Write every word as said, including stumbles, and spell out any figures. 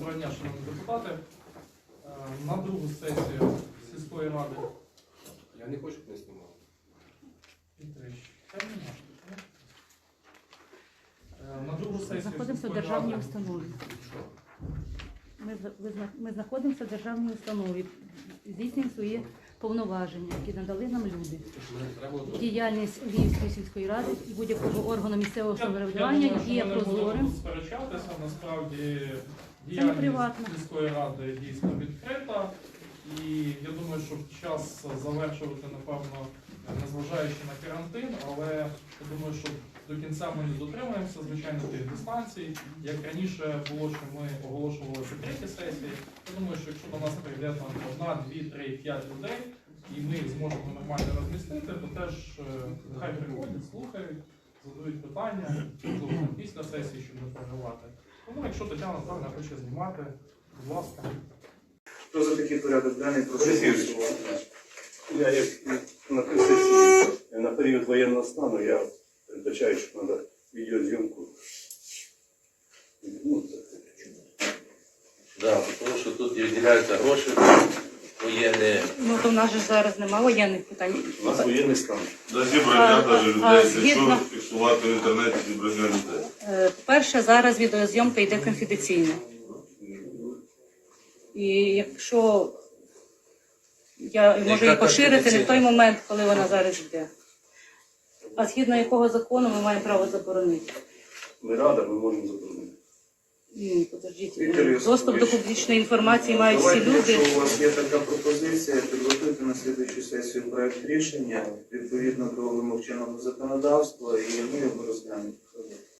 Доброго дня, шановні депутати. Е, На другу сесію сільської ради. Я не хочу, щоб не знімали. Е, На другу сесію Знаходимося в сільської державній ради. установі. Що? Ми, за- ви зна- ми знаходимося в державній установі, здійснюємо свої повноваження, які надали нам люди. Тож мене треба було Діяльність Львівської сільської ради і будь-якого органу місцевого Я- я самоврядування думаю, що є ми не будемо прозорим. тут сперечатися. Насправді не діяльність приватно. сільської ради дійсно відкрита. І я думаю, що час завершувати, напевно, незважаючи на карантин, але я думаю, що до кінця ми не дотримаємося, звичайно, тих дистанцій. Як раніше було, що ми оголошували закриті сесії, я думаю, що якщо до нас прийде там одна, дві, три, п'ять людей, і ми зможемо нормально розмістити, то теж е, нехай приходять, слухають, задають питання, можливо, там після сесії, щоб не переживати. Тому якщо Тетяна Наталівна хоче знімати, будь ласка. Хто за такий порядок денний, прошу Олексійович. голосувати. Я як на цій сесії на період воєнного стану я передбачаю, що треба відеозйомку. Ну, це Да, тому що тут виділяються гроші воєнні. Ну то в нас же зараз немає воєнних питань. у нас воєнний стан. До зібрання А, навіть а, людей, згідно- якщо фіксувати в інтернеті зібрання людей. Е, По-перше, зараз відеозйомка йде конфіденційно. І якщо я можу її поширити не в той момент, коли вона зараз йде. А згідно якого закону ми маємо право заборонити? Ми рада, ми можемо заборонити. Ні, подождіть. Віктор Йосипович, Доступ до публічної інформації мають всі Давайте, люди. якщо у вас є така пропозиція, підготуйте на слідуючу сесію проект рішення відповідно до вимог чинного законодавства, і ми його розглянемо.